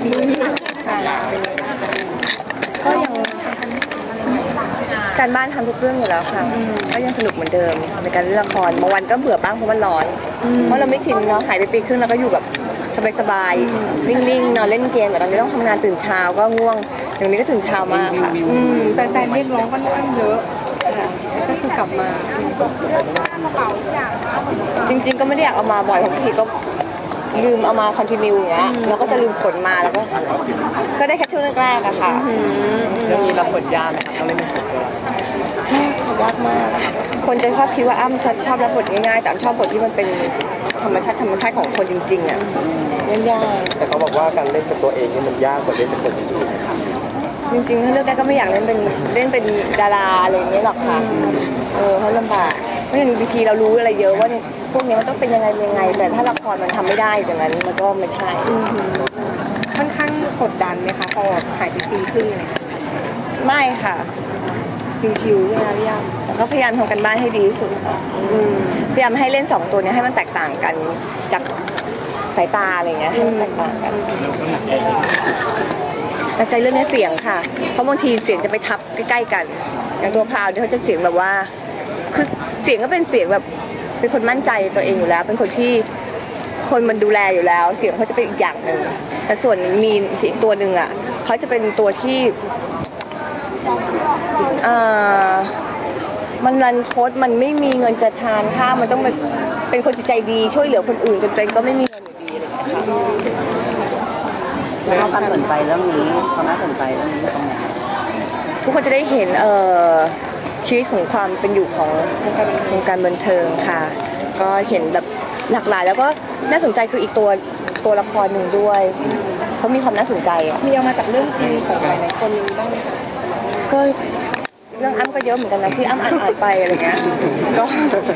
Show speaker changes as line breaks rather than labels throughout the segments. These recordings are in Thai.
ก็ยังการบ้านทำทุกเรื่องอยู่แล้วค่ะก็ยังสนุกเหมือนเดิมในการเล่นละครบางวันก็เบื่อบ้างเพราะมันร้อนเพราะเราไม่ชินเนาะหายไปปีครึ่งแล้วก็อยู่แบบสบายๆนิ่งๆนอนเล่นเกมแต่ตอนนี้ต้องทำงานตื่นเช้าก็ง่วงอย่างนี้ก็ตื่นเช้ามากค่ะ
แฟนๆเรียกร้องค่อนข้างเยอะก็คือกลับมา
จริงๆก็ไม่ได้อยากเอามาบ่อยบางทีก็ลืมเอามาคอนติเนียอย่างเงี้ยเราก็จะลืมขนมาแล้วก็ได้แค่ช่วงแรกๆอะค่ะ
เรื่องนี้รับบทยากไหมครับต้องเล่นเป็นส่วนตั
วยากมากคนจะชอบคิดว่าอ้ำชอบรับบทง่ายๆแต่อ้ำชอบบทที่มันเป็นธรรมชาติของคนจริงๆอะเล่นยาก
แต่เขาบอกว่าการเล่นเป็นตัวเองนี่มันยากกว่าเล่นเป็นคนอื่น
จริงๆถ้าเลือกได้ก็ไม่อยากเล่นเป็นดาราอะไรอย่างเงี้ยหรอกค่ะเพราะลำบากเพราะอย่างบางทีเรารู้อะไรเยอะว่าพวกนี้มันต้องเป็นยังไงแต่ถ้าละครมันทำไม่ได้อย่างนั้นมันก็ไม่ใช่
ค่อนข้างกดดันไหมคะพอหายไปปีครึ่งเลย
ไม่ค่ะ
ชิวๆใช่ไหมพี่ย่า
แต่ก็พยายามทำกันบ้านให้ดีที่สุดพยายามให้เล่น2ตัวนี้ให้มันแตกต่างกันจากสายตาอะไรเงี้ยให้มันแตกต่างกันแต่ใจเรื่องนี้เสียงค่ะเพราะบางทีเสียงจะไปทับใกล้ๆกันอย่างตัวพราวเนี่ยเขาจะเสียงแบบว่าคือเสียงก็เป็นเสียงแบบเป็นคนมั่นใจตัวเองอยู่แล้วเป็นคนที่คนมันดูแลอยู่แล้วเสียงเขาจะเป็นอีกอย่างหนึ่งแต่ส่วนมีอีกตัวหนึ่งอ่ะเขาจะเป็นตัวที่มันรันทดมันไม่มีเงินจะทานข้าวมันต้องเป็นคนจิตใจดีช่วยเหลือคนอื่นจนตัวเองก็ไม่มีเงินอยู่ดีอะไรอย่างเงี้ยค่ะ
แล้วความสนใจเรื่องนี้ความน่าสนใจเรื่องนี้ตรงไหน
ทุกคนจะได้เห็นชีวิตของความเป็นอยู่ของวงการบันเทิงค่ะก็เห็นแบบหลากหลายแล้วก็น่าสนใจคืออีกตัวละครหนึ่งด้วยเขามีความน่าสนใจ
มีเอามาจากเรื่องจริงของหลายๆคนบ้างไหมคะ
ก็เรื่องอ้ำก็เยอะเหมือนกันนะที่อ้ำอ่านไปอะไรเงี้ยก็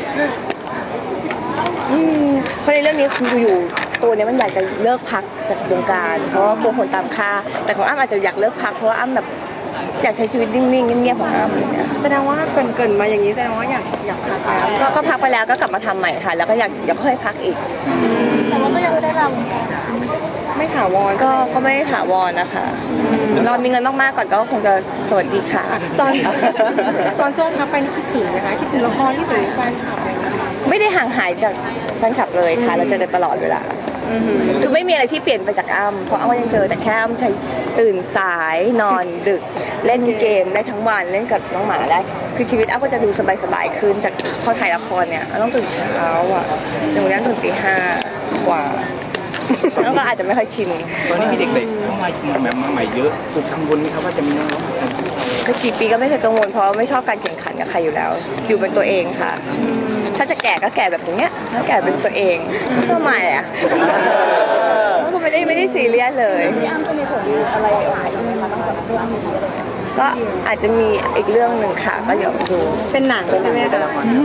เพราะในเรื่องนี้คืออยู่ตัวนี้มันอยากจะเลิกพักจากวงการเพราะว่ากลัวคนตามค่าแต่ของอ้ำอาจจะอยากเลิกพักเพราะว่าอ้ำแบบอยากใช้ชีวิตนิ่งๆเงียบๆของอ้ำอย่างเงี้ย
แสดงว่าเกินมาอย่างนี้แสดงว่าอยากพัก
แล้วก็พักไปแล้วก็กลับมาทำใหม่ค่ะแล้วก็อยากค่อยพักอีก
แต่ว่าก็ยังได้ราวงการ
ไม่ถาวร
ก็ไม่ถาวรนะคะเรามีเงินมากๆก่อนก็คงจะสวัสดีค่ะ
ตอนช่วงพักไปนี่คิดถึงนะคะคิดถึงละครคิดถึงแฟนคลับอะไรเงี้ย
ไม่ได้ห่างหายจากแฟนคลับเลยค่ะเราเจอกันตลอดเวลาคือไม่มีอะไรที่เปลี่ยนไปจากอ้ำเพราะอ้ำก็ยังเจอแต่แค่อ้ำใช้ตื่นสายนอนดึกเล่นเกมได้ทั้งวันเล่นกับน้องหมาได้คือชีวิตอ้ำก็จะดูสบายๆขึ้นจากพอถ่ายละครเนี่ยต้องตื่นเช้าอ่ะอย่างวันนี้ตื่นตี5กว่าแล้วก็อาจจะไม่ค่อยชิน
ตอนนี้มีเด็กๆเข้ามาแบบมาใหม่เยอะถูกกังวลไหมครับว่าจะมีน้อง
ก็กี่ปีก็ไม่เคยกังวลเพราะไม่ชอบการแข่งขันกับใครอยู่แล้วอยู่เป็นตัวเองค่ะถ้าจะแก่ก็แก่แบบอย่างเงี้ยถ้าแก่เป็นตัวเองก็ไม่อ่ะก็ไม่ได้ซีเรียสเลย
พี่อ้ำจะมีผลอะไรออกมาอีกไหมคะตั้งแต่เรื่องนี้อะไร
ก็อาจจะมีอีกเรื่องหนึ่งค่ะก็เดี๋ยวดู
เป็นหนังใช่ไหมคะ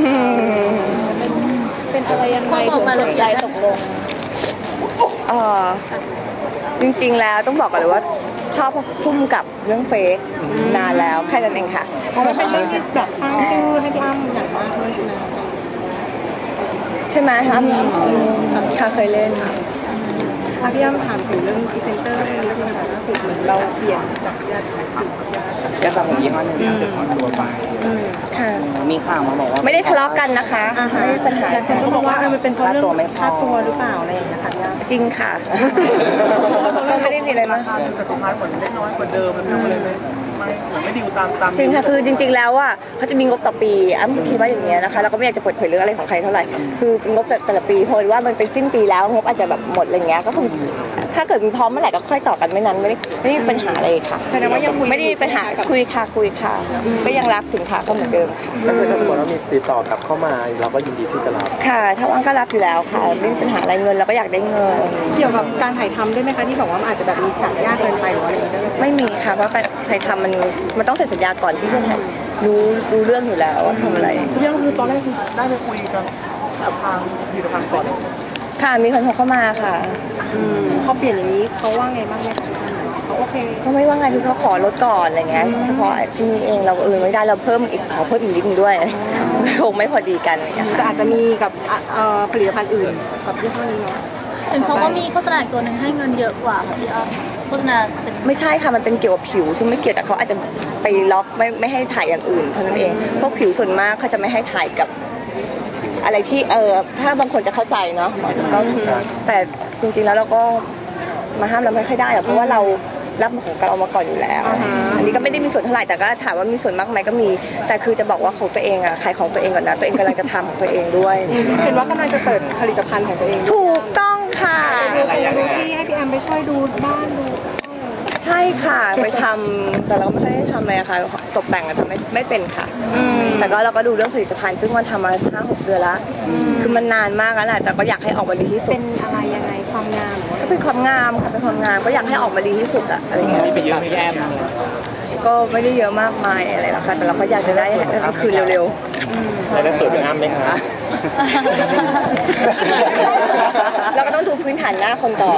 เป็นอะไรยังไง
ตกลงใจตกลง
จริงๆแล้วต้องบอกก่อนเลยว่าชอบพุ่มกับเรื่องเฟซนานแล้วแค่นั้นเองค่ะ
เพราะว่าเป็นเรื่องที่แบบสร้างชื่อให้พี่อ้ำอย่างมากเลย
ใช่ไหมคะค่ะเคยเล่น
พี่อ้ำถามถึงเรื่องพรีเซนเตอร์เรื่องนี้ค่ะล่าสุดเหมือนเราเปลี่ยนจากยาส
ระผมยี่ห้อหนึ่งเป็นตัวไปมีข่าวมาบอกว่า
ไม่ได้ทะเลาะกันนะคะไม่ได้ปัญหา
แต่ก็บอกว่ามันเป็นเพราะเรื่องค่าตัวหรือเปล่าอะไรอย่างเงี้ยค่ะ
จริงค่ะไม่ได้มีอะไรมาก
แต่สุดท้ายผลได้น้อยกว่าเดิมมันทำอะไรไม่ดีตาม
จริงค่ะคือจริงๆแล้วอ่ะเขาจะมีงบต่อปีอ้ำคิดว่าอย่างเงี้ยนะคะเราก็ไม่อยากจะเปิดเผยเรื่องอะไรของใครเท่าไหร่คืองบแต่ละปีพอว่ามันเป็นสิ้นปีแล้วงบอาจจะแบบหมดอะไรเงี้ยก็คงถ้าเกิดมีพร้อมเมื่อไหร่ก็ค่อยต่อกันไม่นั้นไม่ได้มีปัญหาอะไรค่ะ
แสดงว่ายัง
ไม่ได้มีปัญหาคุยค่ะก็ยังรักสินค้าเขาเหมือนเดิม
ก็คือถ้าสมมติว่ามีติดต่อกลับเข้ามาเราก็ยินดีที่จะรับ
ค่ะถ้าว่างก็รับอยู่แล้วค่ะไม่มีปัญหาอะไรเงินเราก็อยากได้เงิน
เกี่ยวกับการถ่ายทำด้วยไหมคะที่บอกว่ามันอาจจะแบบมีฉากยากเกินไปหรืออะไรอย่างเงี้ย
ไม่มีค่ะเพราะการถ่ายทำมันต้องเซ็นสัญญาก่อนที่จะรู้เรื่องอยู่แล้วว่าทำอะไร
เรื่องคือตอนแรกคือได้ไปคุยกันกับทางผลิตภัณฑ์ก่อน
ค่ะมีคนโทรเข้ามาค่ะ
เขาเปลี่ยนอย่างนี้เขาว่าไงบ้างไหมคะเขาโอเค
เขาไม่ว่าไงคือเขาขอลดก่อนอะไรเงี้ยเฉพาะที่นี่เองเราไม่ได้เราขอเพิ่มอีกนิดนึงด้วยคงไม่พอดีกัน
แต่อาจจะมีกับผลิตภัณฑ์อื่นกับยี่ห้อนี้เนาะ
ถึงเขาก็มีโฆษณาตัวหนึ่งให้เงินเยอะกว่าค่ะพี่อ้อมโฆษณาเป็น
ไม่ใช่ค่ะมันเป็นเกี่ยวกับผิวซึ่งไม่เกี่ยวแต่เขาอาจจะไปล็อกไม่ให้ถ่ายอย่างอื่นเท่านั้นเองพวกผิวส่วนมากเขาจะไม่ให้ถ่ายกับอะไรที่ถ้าบางคนจะเข้าใจเนาะก็แต่จริงๆแล้วเราก็มาห้ามเราไม่ค่อยได้หรอกเพราะว่าเรารับของเรามาก่อนอยู่แล้วอันนี้ก็ไม่ได้มีส่วนเท่าไหร่แต่ก็ถามว่ามีส่วนมากไหมก็มีแต่คือจะบอกว่าของตัวเองอะขายของตัวเองก่อนนะตัวเองกำลังจะทำของตัวเองด้วย
เห็นว่ากำลังจะเปิดผลิตภัณฑ์ของตัวเอง
ถูกต้องค่ะ
ดูที่ให้พี่แอมไปช่วยดูบ้านดู
ใช่ค่ะไปทำแต่เราไม่ได้ทำอะไรค่ะตกแต่งอะทำไม่เป็นค่ะแต่ก็เราก็ดูเรื่องผลิตภัณฑ์ซึ่งมันทำมา5-6 เดือนละคือมันนานมากแล้วแหละแต่ก็อยากให้ออกมาดีที่สุ
เป็
ด
นอะไรยังไงความงามหรือว่า
ก็เป็นความงามค่ะเป็นความงามก็อยากให้ออกมาดีที่สุดอะอะไรเงี้ย
มีไปเยอะไหมแก้ม
ก็ไม่ได้เยอะมากมายอะไรหรอกค่ะแต่เราก็อยากจะได้คืนเร็ว
ใช้แล้วสวยเป็นอ้ำไหมคะ
ๆเราก็ต้องดูพื้นฐานหน้าคนต่อ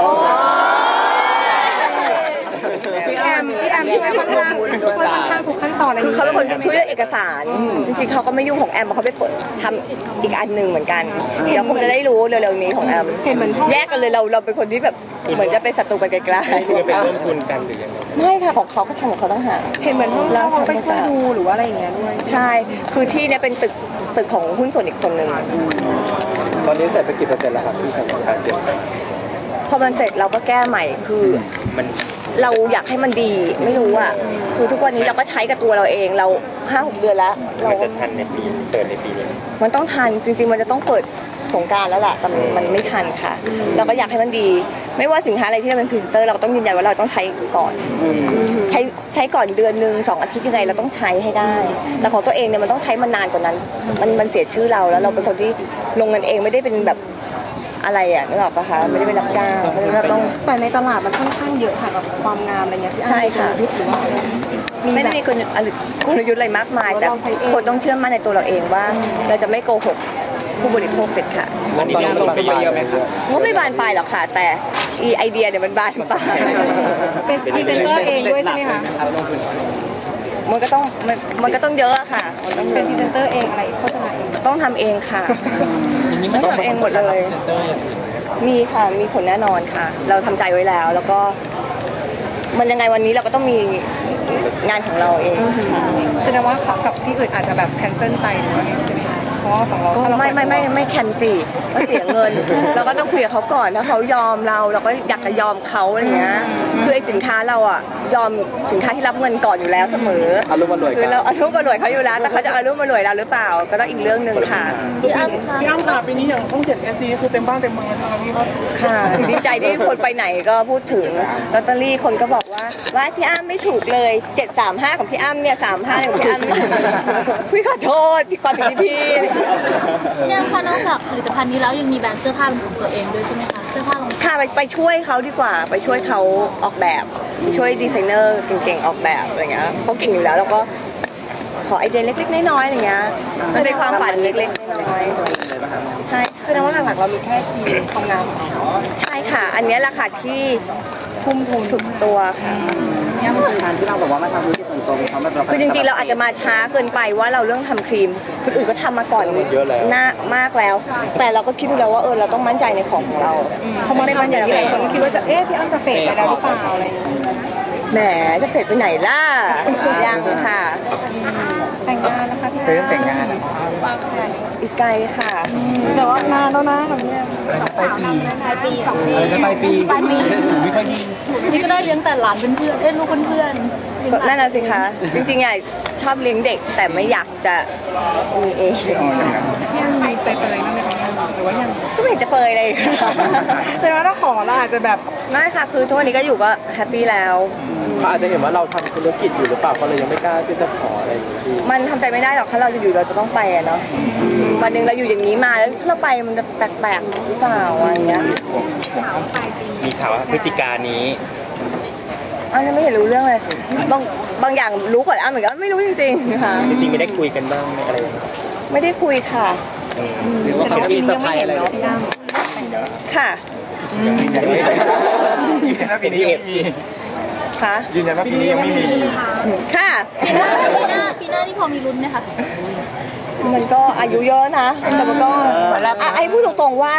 พี่แอมช่วยค่อนข้างทุกขั้นตอนเลย
คือเขาเป็นคนช่วยเรื่องเอกสาร จริงๆเขาก็ไม่ยุ่งของแอมเพราะเขาไปเปิดทำอีกอันหนึ่งเหมือนกัน เดี๋ยวคงจะได้รู้เร็วๆนี้ของแอม
เห็นเหมือนพ่อ
แยกกันเลยเราเป็นคนที่แบบเหมือนจะเป็นศัตรูกันไกล
คือเป็นร่วมทุนกันหรือยังไง
ๆไม่ค่ะของเขาก็ทำของเขาต้องหา
เห็นเหมือนห้องเช่าเขาไปช่วยดูหรือว่าอะไรอย่างเงี้ยด้วย
ใช่ คือที่เนี่ยเป็นตึกของหุ้นส่วนอีกคนหนึ่ง
ตอนนี้เสร็จไปกี่เปอร์เซ็นต์แล้วครับที่ทำการเตรียม
พอมันเสร็จเราก็แก้ใหม่คือ
มัน
เราอยากให้มันดีไม่รู้อ่ะคือทุกวันนี้เราก็ใช้กับตัวเราเองเรา5-6 เดือนแล้วเรา
จะทันในปีเปิดในปีนี้
มันต้องทันจริงๆมันจะต้องเปิดสงกรานต์แล้วล่ะแต่มันไม่ทันค่ะเราก็อยากให้มันดี ไม่ว่าสินค้าอะไรที่เราเป็นพรีเซนเตอร์เราก็ต้องยืนยันว่าเราต้องใช้ก่อนใช้ก่อนเดือนนึง2 อาทิตย์ยังไงเราต้องใช้ให้ได้ แต่ของตัวเองเนี่ยมันต้องใช้มานานกว่านั้นมันเสียชื่อเราแล้วเราเป็นคนที่ลงเงินเองไม่ได้เป็นแบบอะไรอ่ะนึกออกปะคะไม่ได้เป็นรับจ้างเพราะฉะนั้นเราต้อง
แต่ในตลาดมันค่อนข้างเยอะค่ะกับความงามอะไรเงี้ยพี่แอม
ใช่ค่ะ
ยุทธหรือว่าอะไร
ไม่ได้มีกลยุทธ์อะไรมากมาย แต่คนต้องเชื่อมั่นในตัวเราเองว่าเราจะไม่โกหกผู้บริโภคเด็ดขาด
อันนี้ลงไปเยอะไหมครับ
งบไม่บานปลายหรอกค่ะ แต่ไอเดียเนี่ยมันบานปลาย
เป็นพรีเซนเตอร์เองด้วยใช่ไหมคะ
มันก็ต้องเยอะอะค่ะมันต้องเย
เป็น
อะ
พรีเซนเตอร์เองอะไรโฆษณาเอง
ต้องทำเองค่ะต้องทำเองหมดเลย มีค่ะมีผลแน่นอนค่ะ เราทำใจไว้แล้ว แล้วก็มันยังไงวันนี้เราก็ต้องมีงานของเราเองค่ะ
แสดงว่ากับที่อื่นอาจจะแบบแคนเซิลไปหรือว่าไงใช่ไหมคะเพราะว่าของเรา
ก็
ถ้าเรา
ไม่แคนตีก็เสียเงิน เราก็ต้องคุยกับเขาก่อนถ้าเขายอมเราก็อยากจะยอมเขาอะไรเงี้ยคือไอ้สินค้าเราอ่ะยอมสินค้าที่รับเงินก่อนอยู่แล้วเสมอ
อารมณ์อร่อย
คือเราอารมณ์อร่วยเขาอยู่แล้วแต่เขาจะอารมณ์อร่วยเราหรือเปล่าก็ต้องอีกเรื่องหนึ่งค่ะ
พี่อ้ำคะ
พี่อ้ำค่ะปีนี้อย่างช่อง 7 SD คือเต็มบ้านเต็มเมืองเลยนะครับพี่ครับ
ค่ะดีใจที่คนไปไหนก็พูดถึงลอตเตอรี่คนก็บอกว่าพี่อ้ำไม่ถูกเลย735ของพี่อ้ำเนี่ย35ของพี่อ้ำพี่ขอโทษพี่ความผิดที่พี่
พี่อ้ำคะนอกจากผลิตภัณฑ์นี้แล้วยังมีแบรนด์เสื้อผ้าเป็นของตัวเองด้วยใช่ไหมคะเสื้อผ้ารองเท้า
ค่ะไปช่วยเขาดีกว่าไปช่วยเขาออกแบบไปช่วยดีไซเนอร์เก่งๆออกแบบอะไรเงี้ยเขาเก่งอยู่แล้วเราก็ขอไอเดียเล็กๆน้อยๆอะไรเงี้ยมันเป็นความฝันเล็กๆน้อยๆใช่
แสดงว่าหลักๆเรามีแค่ทีมความงามของเรา
ใช่ค่ะ อันนี้แหละค่ะที่ทุ่มทุนสุดตัวค่ะ
เนี่ยมันเป็นการที่เราแบบว่ามาทำธุรกิจส่วนตัวของเขาแบบเรา
คือจริงๆเราอาจจะมาช้าเกินไปว่าเราเรื่องทำครีมคนอื่นก็ทำมาก่อนหน้ามากแล้ว แต่เราก็คิดดูแล้วว่าเราต้องมั่นใจในของเรา
พอมาทำอย่างนี้หลายคนก็คิดว่าจะพี่อ้ำจะเฟดไปแล้วหรือเปล่าอะไรอย่างเงี้ย
แหมจะเฟดไปไหนล่ะยังค่ะ
แต่งงานนะคะพี่
เคยต้องแต่งงานอ่ะ
อีกไกลค่ะ
แต่ว่านานแล้วนะค่ะพี่
ปลายปีอะไรจะปลายปีสูงไม่ค่อยดี
นี่ก็ได้เลี้ยงแต่หลานเป็นเพื่อนลูกเพื่อนๆเลี้ยง
ก็
หลา
นั่นน่ะสิคะจริงๆอ่ะชอบเลี้ยงเด็กแต่ไม่อยากจะมีเอง
พี่อ้ำมีไปเลยบ้างไหมคะหรือว่ายัง
ก็ไม่เห็นจะเปยเลยค่ะ
แสดงว่าถ้าขอเราอาจจะแบบ
ไม่ค่ะคือทุกวันนี้ก็อยู่ก็แฮปปี้แล้ว
เขาอาจจะเห็นว่าเราทำธุรกิจอยู่หรือเปล่าเขาเลยยังไม่กล้าที่จะขออะไรอย่างนี้
มันทำใจไม่ได้หรอกถ้าเราจะอยู่เราจะต้องไปอะเนาะวันหนึ่งเราอยู่อย่างนี้มาแล้วถ้าเราไปมันจะแปลกๆหรือเปล่าอะไรเงี้ย
มีข่าวว่าพฤติการนี้
อ้าวยังไม่เห็นรู้เรื่องเลยบางอย่างรู้ก่อนอ้าวเหมือนกันไม่รู้จริงๆค่ะ
จริงๆไม่ได้คุยกันบ้างไหมอะไรอย่างเงี้ย
ไม่ได้คุยค่ะ
หรือว่าเขามีเซอร์ไพรส์อะไร
เนาะพี่อ้ำ
ค่ะ
ยืนยันว่าปีนี้ยังไม่มี
ค่ะ
ยืนยันว่าปีนี้ยังไม่มี
ค่ะ
ปีหน้านี่พอมีลุ้นไหมคะ
มันก็อายุเยอะนะแต่มันก็ไอ้พูดตรงๆว่าถ้า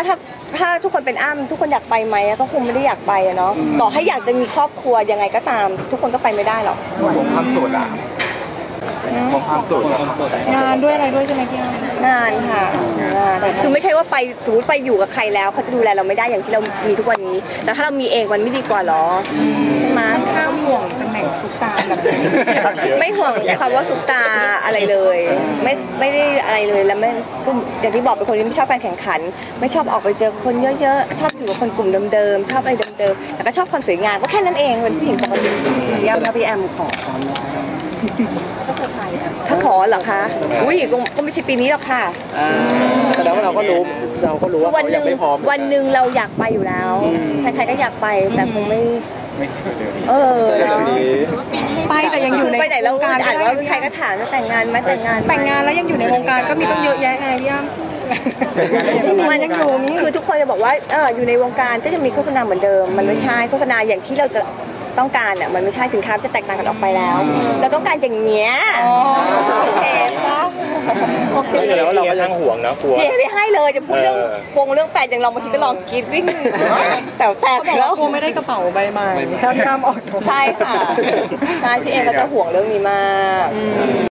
ถ้าทุกคนเป็นอ้ำทุกคนอยากไปไหมก็คงไม่ได้อยากไปอะเนาะต่อให้อยากจะมีครอบครัวยังไงก็ตาม ทุกคนก็ไปไม่ได้หรอก
ผมความโสดอ่ะผมความโสด
งานด้วยอะไรด้วยใช่ไหมพี่อ้ำ
งานค่ะงานคือไม่ใช่ว่าไปสมมติไปอยู่กับใครแล้วเขาจะดูแลเราไม่ได้อย่างที่เรามีทุกวันนี้ แต่ถ้าเรามีเองมันไม่ดีกว่าหรอใช่ไหม
ค่อนข้างห่วงตำแหน่งซุปตาแบบนี้
ไม่ห่วงคำว่าซุปตาอะไรเลยไม่ได้อะไรเลยแล้วไม่คืออย่างที่บอกเป็นคนที่ไม่ชอบการแข่งขัน ไม่ชอบออกไปเจอคนเยอะๆชอบอยู่กับคนกลุ่มเดิมๆชอบอะไรเดิมๆแล้วก็ชอบความสวยงามก็แค่นั้นเองเป็นผู้หญิงปกติพี่แอมถ้าพี่แอมขอถ้าขอเหรอคะอุ้ยก็ไม่ใช่ปีนี้หรอกค่ะ
แสดงว่าเราก็รู้ว่า
วัน
เขา
ห
ยั
นึ่
ง
ง
ไม่พร้อม
วันหนึ่งเราอยากไปอยู่แล้ว ใครๆก็อยากไปแต่คงไม่เออ
ไปแต่ยังอยู่ใน
ไปไหนแล้ว
วงการ
อ่านว่าใครก็ถามว่าแต่งงานไหมแต่งงานไหม
แต่งงานแล้วยังอยู่ในวงการก็มีต้องเยอะแยะไงพี่อ้ำ
มันยังอยู่นี่คือทุกคนจะบอกว่าอยู่ในวงการก็จะมีโฆษณาเหมือนเดิม มันไม่ใช่โฆษณาอย่างที่เราจะต้องการอ่ะมันไม่ใช่สินค้าจะแตกต่างกันออกไปแล้ว เราต้องการอย่างเงี้ยโอเคปะ
ก็แสดงว่าเราก็ยังห่วงนะกลัว
พี่ไม่ให้เลยจะพูดเรื่องวงเรื่องแฟนอย่างเราบางทีก็ลองกรีดวิ่งแต่แตกแล้ว
กลัวไม่ได้กระเป๋าใบใหม่ถ้าข้ามออกจาก
ใช่ค่ะใช่พี่เองก็จะห่วงเรื่องนี้มาก